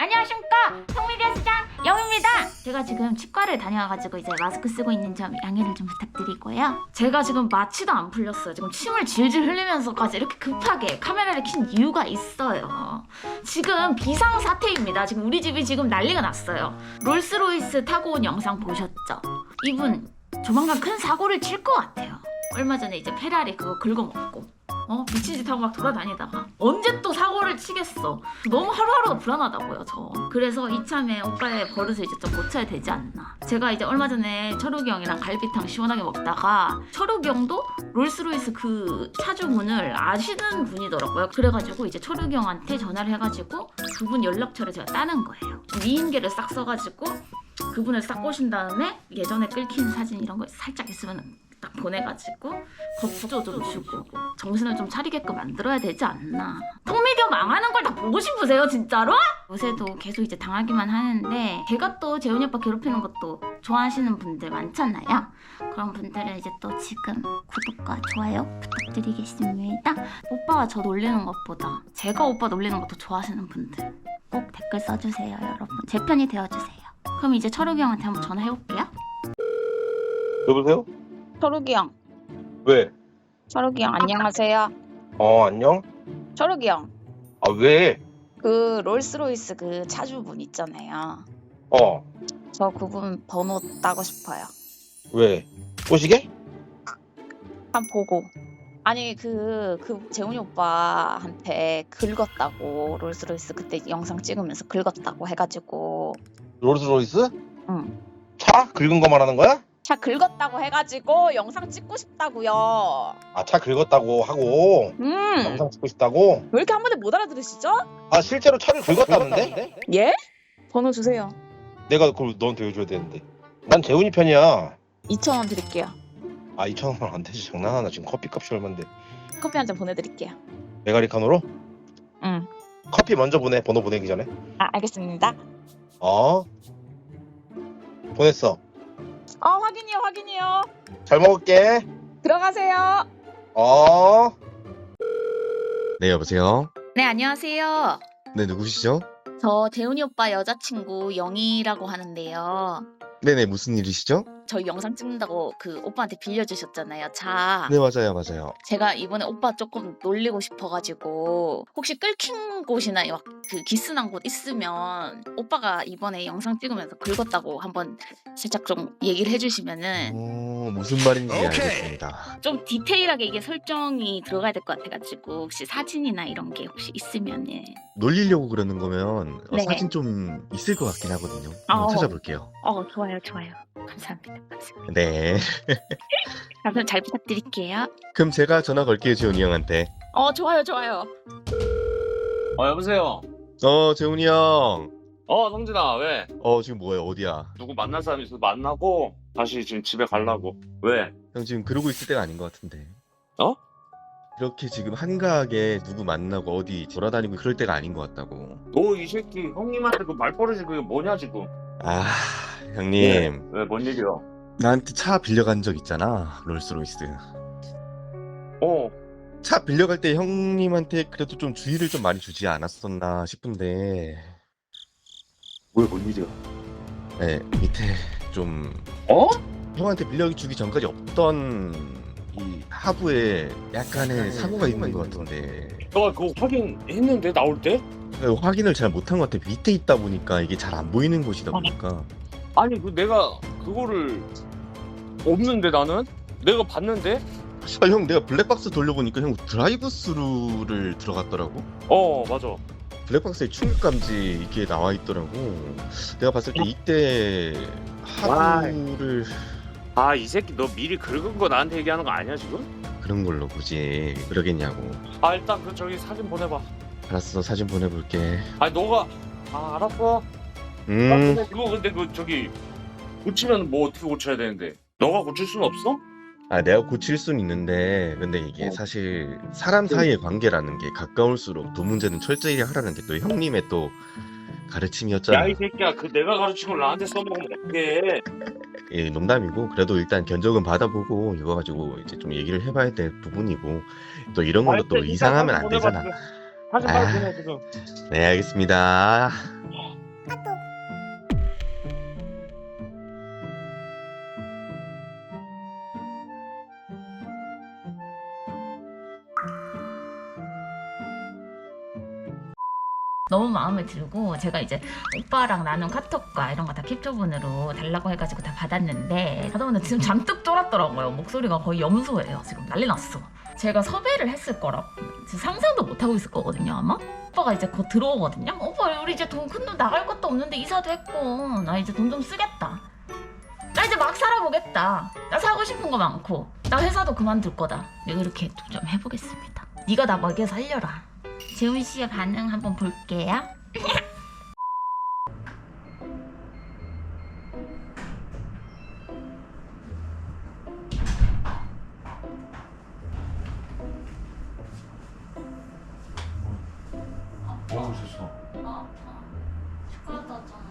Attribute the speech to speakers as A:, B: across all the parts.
A: 안녕하십니까, 성미디어 시장 영입니다. 제가 지금 치과를 다녀와가지고 이제 마스크 쓰고 있는 점 양해를 좀 부탁드리고요. 제가 지금 마취도 안 풀렸어요. 지금 침을 질질 흘리면서까지 이렇게 급하게 카메라를 킨 이유가 있어요. 지금 비상사태입니다. 지금 우리 집이 지금 난리가 났어요. 롤스로이스 타고 온 영상 보셨죠? 이분 조만간 큰 사고를 칠 것 같아요. 얼마 전에 이제 페라리 그거 긁어먹고 미친 짓 하고 막 돌아다니다가 언제 또 사고를 치겠어. 너무 하루하루가 불안하다고요, 저. 그래서 이참에 오빠의 버릇을 이제 좀 고쳐야 되지 않나. 제가 이제 얼마 전에 철욱이 형이랑 갈비탕 시원하게 먹다가 철욱이 형도 롤스로이스 그 차주분을 아시는 분이더라고요. 그래가지고 이제 철욱이 형한테 전화를 해가지고 그분 연락처를 제가 따는 거예요. 미인계를 싹 써가지고 그분을 싹 꼬신 다음에 예전에 끌킨 사진 이런 거 살짝 있으면 딱 보내가지고 겁도 좀 주고 정신을 좀 차리게끔 만들어야 되지 않나. 톡미디어 망하는 걸 다 보고 싶으세요, 진짜로? 요새도 계속 이제 당하기만 하는데 제가 또 재훈이 오빠 괴롭히는 것도 좋아하시는 분들 많잖아요. 그런 분들은 이제 또 지금 구독과 좋아요 부탁드리겠습니다. 오빠가 저 놀리는 것보다 제가 오빠 놀리는 것도 좋아하시는 분들 꼭 댓글 써주세요, 여러분. 제 편이 되어주세요. 그럼 이제 철욱이 형한테 한번 전화해볼게요.
B: 여보세요?
C: 철욱이 형.
B: 왜?
C: 철욱이 형 안녕하세요.
B: 안녕?
C: 철욱이 형.
B: 아, 왜?
C: 그 롤스로이스 그 차주분 있잖아요. 저 그분 번호 따고 싶어요.
B: 왜? 꼬시게?
C: 한 보고. 아니 그 재훈이 오빠한테 긁었다고 롤스로이스 그때 영상 찍으면서 긁었다고 해가지고.
B: 롤스로이스?
C: 응.
B: 차? 긁은 거 말하는 거야?
C: 차 긁었다고 해가지고 영상 찍고 싶다고요.
B: 아, 차 긁었다고 하고 영상 찍고 싶다고?
C: 왜 이렇게 한 번에 못 알아들으시죠?
B: 아, 실제로 차를 긁었다는데?
C: 예? 번호 주세요.
B: 내가 그걸 너한테 해줘야 되는데. 난 재훈이 편이야.
C: 2,000원 드릴게요.
B: 아, 2,000원 안 되지. 장난하나. 지금 커피값이 얼만데.
C: 커피 한 잔 보내드릴게요.
B: 메가리카노로?
C: 응.
B: 커피 먼저 보내. 번호 보내기 전에.
C: 아 알겠습니다.
B: 보냈어.
C: 확인이요.
B: 잘 먹을게.
C: 들어가세요.
D: 네, 여보세요?
A: 네, 안녕하세요.
D: 네, 누구시죠?
A: 저 재훈이 오빠 여자친구 영희라고 하는데요.
D: 네네, 무슨 일이시죠?
A: 저희 영상 찍는다고 그 오빠한테 빌려주셨잖아요, 차.
D: 네, 맞아요.
A: 제가 이번에 오빠 조금 놀리고 싶어가지고 혹시 끌킨 곳이나 막 그 기스난 곳 있으면 오빠가 이번에 영상 찍으면서 긁었다고 한번 살짝 좀 얘기를 해주시면은
D: 무슨 말인지 알겠습니다.
A: 좀 디테일하게 이게 설정이 들어가야 될 것 같아가지고 혹시 사진이나 이런 게 혹시 있으면은.
D: 놀리려고 그러는 거면
A: 네.
D: 사진 좀 있을 것 같긴 하거든요. 한번 찾아볼게요.
A: 좋아요. 감사합니다.
D: 네.
A: 그럼 잘 부탁드릴게요.
D: 그럼 제가 전화 걸게요, 재훈이 형한테.
A: 좋아요.
E: 여보세요.
D: 재훈이 형.
E: 성진아, 왜?
D: 지금 뭐해? 어디야?
E: 누구 만날 사람 있어서 만나고 다시 지금 집에 가려고. 왜?
D: 형 지금 그러고 있을 때가 아닌 것 같은데.
E: 어?
D: 이렇게 지금 한가하게 누구 만나고 어디 돌아다니고 그럴 때가 아닌 것 같다고.
E: 너 이 새끼 형님한테 그 말버릇이 그게 뭐냐 지금?
D: 아, 형님.
E: 왜, 뭔 일이야?
D: 나한테 차 빌려간 적 있잖아, 롤스로이스.
E: 어.
D: 차 빌려갈 때 형님한테 그래도 좀 주의를 좀 많이 주지 않았었나 싶은데.
E: 왜, 뭔 일이야?
D: 네, 밑에 좀 형한테 빌려주기 전까지 없던 이 하부에 약간의 사고가 있는 것 같은데.
E: 너가 그거 확인했는데 나올 때?
D: 확인을 잘 못한 것 같아. 밑에 있다 보니까 이게 잘 안 보이는 곳이다 보니까.
E: 아니 내가 그거를 없는데 나는? 내가 봤는데?
D: 형, 내가 블랙박스 돌려보니까 형 드라이브 스루를 들어갔더라고.
E: 맞아.
D: 블랙박스에 충격 감지 이게 나와 있더라고. 내가 봤을 때 이때 하부를
E: 이 새끼 너 미리 긁은 거 나한테 얘기하는 거 아니야 지금?
D: 그런 걸로 보지. 그러겠냐고.
E: 일단 저기 사진 보내봐.
D: 알았어, 사진 보내볼게.
E: 너가 알았어. 그거 근데 저기 고치면 뭐 어떻게 고쳐야 되는데? 너가 고칠 수는 없어?
D: 내가 고칠 수는 있는데, 근데 이게 사실 사람 사이의 관계라는 게 가까울수록 돈 문제는 철저히 하라는 게 또 형님의 또 가르침이었잖아.
E: 야 이 새끼야, 그 내가 가르친 걸 나한테 써먹으면 어떡해.
D: 예, 농담이고, 그래도 일단 견적은 받아보고 이거 가지고 이제 좀 얘기를 해봐야 될 부분이고, 또 이런 걸로 또 이상하면 안 되잖아.
E: 사진 빨리 보내 지금.
D: 네, 알겠습니다.
A: 너무 마음에 들고 제가 이제 오빠랑 나눈 카톡과 이런 거 다 캡처본으로 달라고 해가지고 다 받았는데 하다 보니 지금 잔뜩 쫄았더라고요. 목소리가 거의 염소예요. 지금 난리 났어. 제가 섭외를 했을 거라고 지금 상상도 못하고 있을 거거든요 아마. 오빠가 이제 곧 들어오거든요. 오빠 우리 이제 돈 큰 돈 나갈 것도 없는데 이사도 했고 나 이제 돈 좀 쓰겠다. 나 이제 막 살아보겠다. 나 사고 싶은 거 많고 나 회사도 그만둘 거다. 내가 이렇게 좀 해보겠습니다. 네가 나 먹여 살려라. 재훈 씨의 반응 한번 볼게요.
E: 뭐 하고 있었어?
A: 아, 치과 갔다 왔잖아.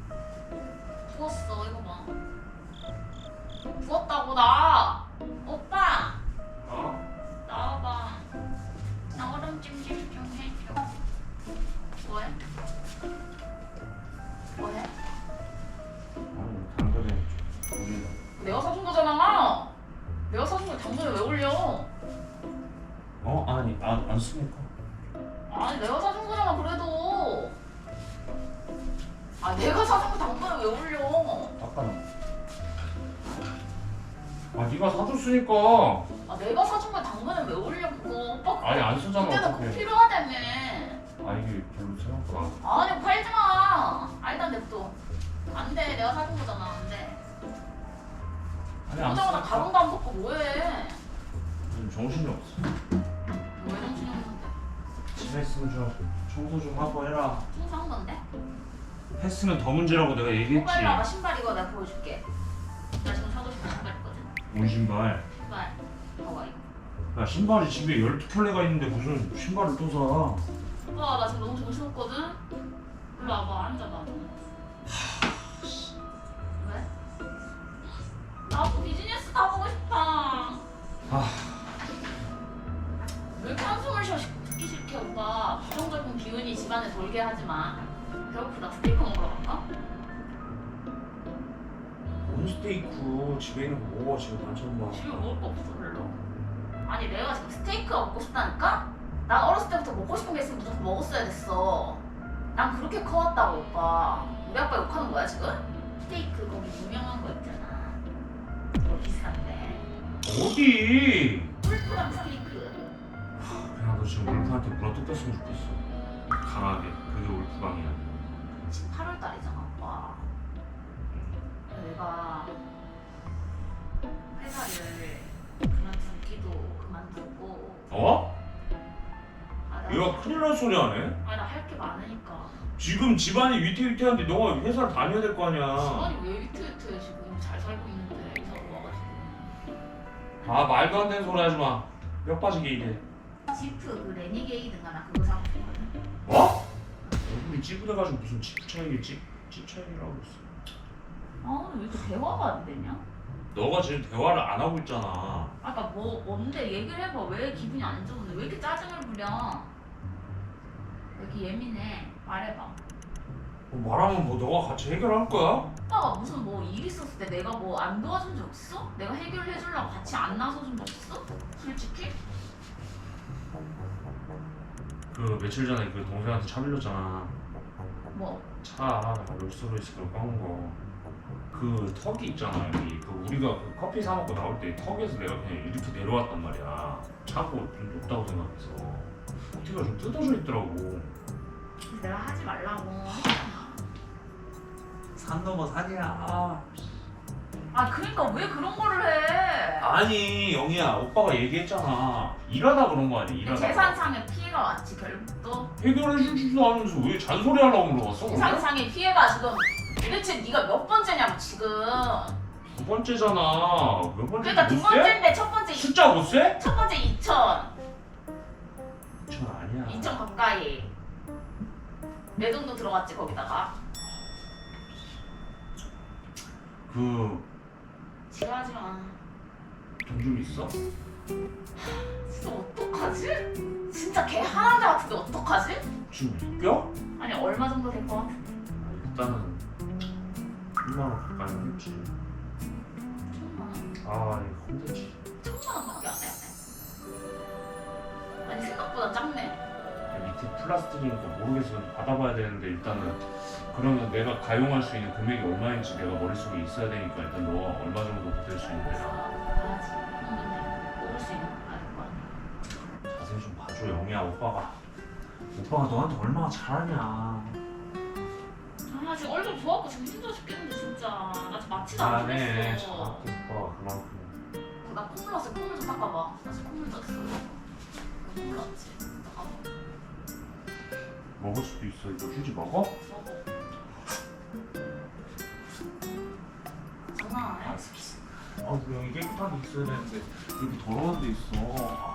A: 부었어, 이거 봐. 부었다고 나. 오빠,
E: 어?
A: 나와봐. 나 얼음 찜질 좀 해줘. 뭐해? 뭐해?
E: 아니 당근에 올린다.
A: 내가 사준 거잖아. 내가 사준 거 당근에 왜 올려?
E: 어? 아니 안 쓰니까.
A: 아니 내가 사준 거잖아 그래도. 아 내가 사준 거 당근에 왜 올려?
E: 아까는. 아 네가 사줬으니까.
A: 아 내가 사준 거 당근에 왜 올려 그거? 오빠
E: 아니 안 쓰잖아
A: 그때는 꼭
E: 어떡해.
A: 필요하다며.
E: 아 이게 별로 생각보다.
A: 아니 팔지 마. 일단 냅둬. 안 돼. 내가 사준 거잖아. 안 돼.
E: 아니 안
A: 그러자마자
E: 쓰니까.
A: 가방도 안 벗고 뭐해?
E: 요즘 정신이 없어.
A: 왜 정신이 없는데?
E: 집에 있으면 좀 청소 좀 하고 해라.
A: 청소한 건데?
E: 했으면 더 문제라고 내가 얘기했지.
A: 신발 나가. 신발 이거 내가 보여줄게. 나 지금 사고 싶은 신발 있거든.
E: 뭔 신발?
A: 신발. 봐봐 이거.
E: 야 신발이 집에 12켤레가 있는데 무슨 신발을 또 사.
A: 오빠 나 지금 너무 정신없거든? 일로 와봐. 앉아봐. 왜? 나도 비즈니스 가보고 싶다. 왜 이렇게 한숨을 쉬어? 듣기 싫게 오빠. 부정적인 기운이 집안에 돌게 하지 마. 배고프다. 스테이크 먹으러 갈까?
E: 뭔 스테이크 집에 있는 거 먹어 지금 반찬만.
A: 집에 먹을 거 없어 별로. 아니 내가 지금 스테이크가 먹고 싶다니까? 난 어렸을 때부터 먹고 싶은 게 있으면 무조건 먹었어야 됐어. 난 그렇게 커왔다고 오빠. 우리 아빠 욕하는 거야 지금? 스테이크 거기 유명한 거 있잖아. 그거 비싼데.
E: 어디?
A: 꿀꿀한 스테이크.
E: 그냥 너 지금 울프한테 물어뜯겼으면 좋겠어. 강하게. 그게 울프방이야.
A: 지금 8월 달이잖아 오빠. 내가 회사를 그만두기도 그만두고.
E: 어?
A: 아, 나-
E: 얘가 큰일 날 소리 하네?
A: 아니 나 할 게 많으니까.
E: 지금 집안이 위태위태한데 너가 회사를 다녀야 될 거 아니야.
A: 집안이 왜 위태위태해 지금 잘 살고 있는데 이사가 와가지고.
E: 아 말도 안 되는 소리 하지 마. 뼈 빠지게 일해.
A: 지프 그 레니게이드인가 나 그거 사고 싶거든.
E: 뭐? 얼굴이 찌부돼가지고 무슨 집 차이겠지? 집 차이라고 했어.
A: 아 오늘 왜 이렇게 대화가 안 되냐?
E: 너가 지금 대화를 안 하고 있잖아.
A: 아까 뭐 뭔데 얘기를 해봐. 왜 기분이 안 좋은데 왜 이렇게 짜증을 부려? 왜 이렇게 예민해? 말해봐.
E: 뭐 말하면 뭐 너가 같이 해결할 거야?
A: 오빠가 무슨 뭐 일 있었을 때 내가 뭐 안 도와준 적 있어? 내가 해결해 주려고 같이 안 나서준 적 있어? 솔직히?
E: 그 며칠 전에 그 동생한테 차 빌렸잖아.
A: 뭐?
E: 차 롤스로이스로 꺾은 거. 그 턱이 있잖아 여기. 그 우리가 그 커피 사 먹고 나올 때 턱에서 내가 그냥 이렇게 내려왔단 말이야. 차고 좀 높다고 생각해서. 어깨가 좀 뜯어져 있더라고.
A: 그래서 내가 하지 말라고 했잖아.
E: 산 넘어 산이야.
A: 아 그러니까 왜 그런 거를 해?
E: 아니 영희야 오빠가 얘기했잖아. 일하다 그런 거 아니야 일하다.
A: 재산상의 피해가 왔지 결국 또.
E: 해결해 주지도 않으면서 왜 잔소리 하려고 물어봤어? 그러면?
A: 재산상의 피해가 지금 도대체 네가 몇 번째냐고 지금.
E: 두 번째잖아. 몇 번째?
A: 그러니까 두 번째인데 첫 번째
E: 숫자 못 세?
A: 첫 번째 2천.
E: 2천 아니야.
A: 2천 가까이. 내 돈도 들어갔지 거기다가.
E: 그
A: 지랄하지 마.
E: 돈 좀 있어?
A: 진짜 어떡하지? 진짜 개 하나자 같은데 어떡하지?
E: 지금 웃겨?
A: 아니 얼마 정도 될 것 같은데?
E: 일단은 1만 원 가까이 했지.
A: 1,000만 원.
E: 아 이거 힘들지.
A: 1,000만 원밖에 안 해. 아니 생각보다 작네.
E: 밑에 플라스틱이니까 모르겠어. 받아봐야 되는데 일단은 그러면 내가 가용할 수 있는 금액이 얼마인지 내가 머릿속에 있어야 되니까 일단 너가 얼마 정도 보탤 수 있는데
A: 봐야지. 형인데 모를 수 있는 거 아닐 거 아니야.
E: 자세히 좀 봐줘 영희야. 오빠가 너한테 얼마나 잘하냐.
A: 아 지금 얼굴 부었고 지금 힘들어 죽겠는데 진짜. 나 지금 마취도 안
E: 잘하네.
A: 풀렸어.
E: 잘할게 오빠가 그만큼.
A: 나 콧물 났어. 콧물 좀 닦아봐. 나 지금 콧물 났어. 콧물 났지. 닦아봐.
E: 먹을 수도 있어. 이거 휴지 먹어?
A: 먹어. 장난 안 해?
E: 아 여기 깨끗하게 있어야 되는데 여기 더러운 데 있어.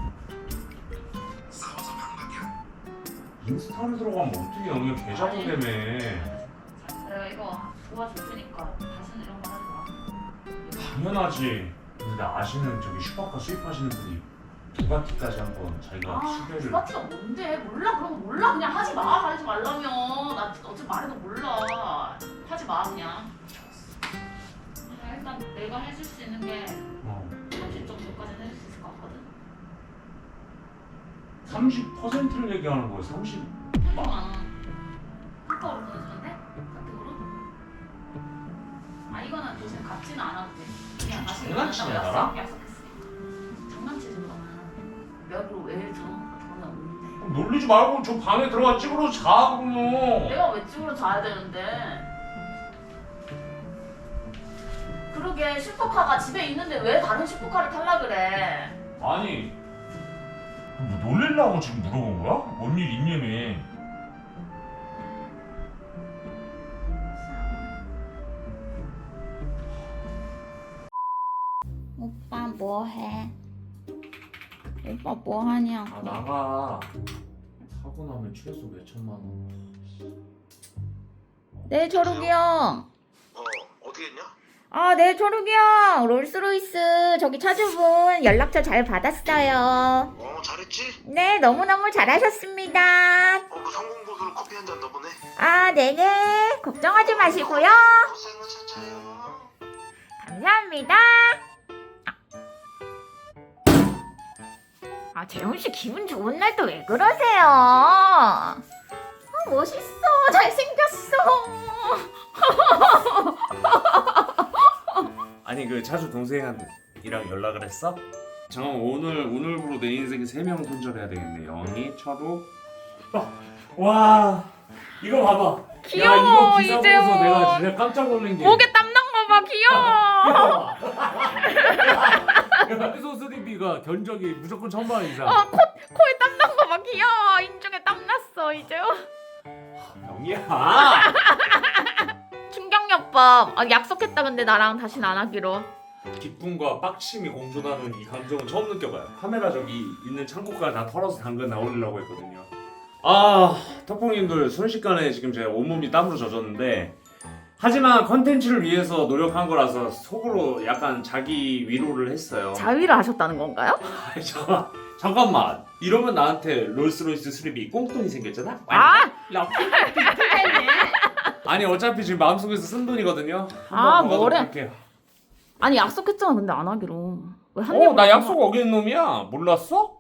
E: 인스타를 들어가면 어떻게 영희야 개잡고 되네.
A: 내가 이거 도와줄 테니까 다시는 이런 거 하지 마.
E: 당연하지. 근데 나 아시는 저기 슈퍼카 수입하시는 분이 부가티까지 한번 자기가 수배를.
A: 부가티가 뭔데? 몰라. 그런 거 몰라. 그냥 하지 마. 하지 말라면. 나 어차피 말해도 몰라. 하지 마 그냥. 일단 내가 해줄 수 있는 게 30 정도까지는 해줄 수 있을 것 같거든.
E: 30%를 얘기하는 거야. 30.
A: 카카오로 보내주면 돼? 카톡으로? 아 이거는 대신 갚지는 않아도 돼. 그냥 다시
E: 장난치냐,
A: 만난다고
E: 나랑?
A: 약속했어. 장난치지 그러면. 여기로 왜 돈이 없는데?
E: 그럼 놀리지 말고 저 방에 들어가 찌그러 자 그러면.
A: 내가 왜 집으로 자야 되는데? 그러게 슈퍼카가 집에 있는데 왜 다른 슈퍼카를 탈라 그래?
E: 아니 뭐 놀리려고 지금 물어본 거야? 뭔 일 있냐며.
A: 오빠 뭐해? 오빠 뭐하냐고.
E: 아 나가. 사고 나면 최소 몇 천만 원.
A: 네 초록이 형.
B: 어떻게 했냐?
A: 아, 네, 초록이 형. 롤스로이스 저기 차주분 연락처 잘 받았어요.
B: 잘했지?
A: 네, 너무너무 잘하셨습니다.
B: 그 성공보수로 커피 한 잔 더 보내.
A: 아, 네네. 걱정하지 마시고요.
B: 고생은 차차요.
A: 감사합니다. 아, 재훈씨 기분 좋은 날 또 왜 그러세요? 아, 멋있어. 잘생겼어.
E: 아니 그 차주 동생이랑 연락을 했어? 잠깐만 오늘부로 내 인생에 3명 손절해야 되겠네. 영희, 철우. 와 이거 봐봐.
A: 귀여워,
E: 야, 이거 기사
A: 이재호.
E: 보고서 내가 진짜 깜짝 놀란 게.
A: 목에 땀난 거 봐, 귀여워.
E: 해소 수리비가 견적이 무조건 1,000만 원 이상.
A: 코에 땀난 거 봐, 귀여워. 인중에 땀났어, 이제.
E: 영희야.
A: 충격요법. 아, 약속했다, 근데 나랑 다신 안 하기로.
E: 기쁨과 빡침이 공존하는 이 감정은 처음 느껴봐요. 카메라 저기 있는 창고까지 다 털어서 당근 나올리려고 했거든요. 아, 턱봉님들 순식간에 지금 제가 온몸이 땀으로 젖었는데, 하지만 컨텐츠를 위해서 노력한 거라서 속으로 약간 자기 위로를 했어요.
A: 자위를 하셨다는 건가요?
E: 아니, 잠깐만. 이러면 나한테 롤스로이스 수리비 꽁돈이 생겼잖아?
A: 아!
E: 아니 어차피 지금 마음속에서 쓴 돈이거든요.
A: 아,
E: 한번 더
A: 뭐래?
E: 가볼게요.
A: 아니, 약속했잖아, 근데 안 하기로. 왜 한 입?
E: 나 약속 어기는 놈이야. 몰랐어?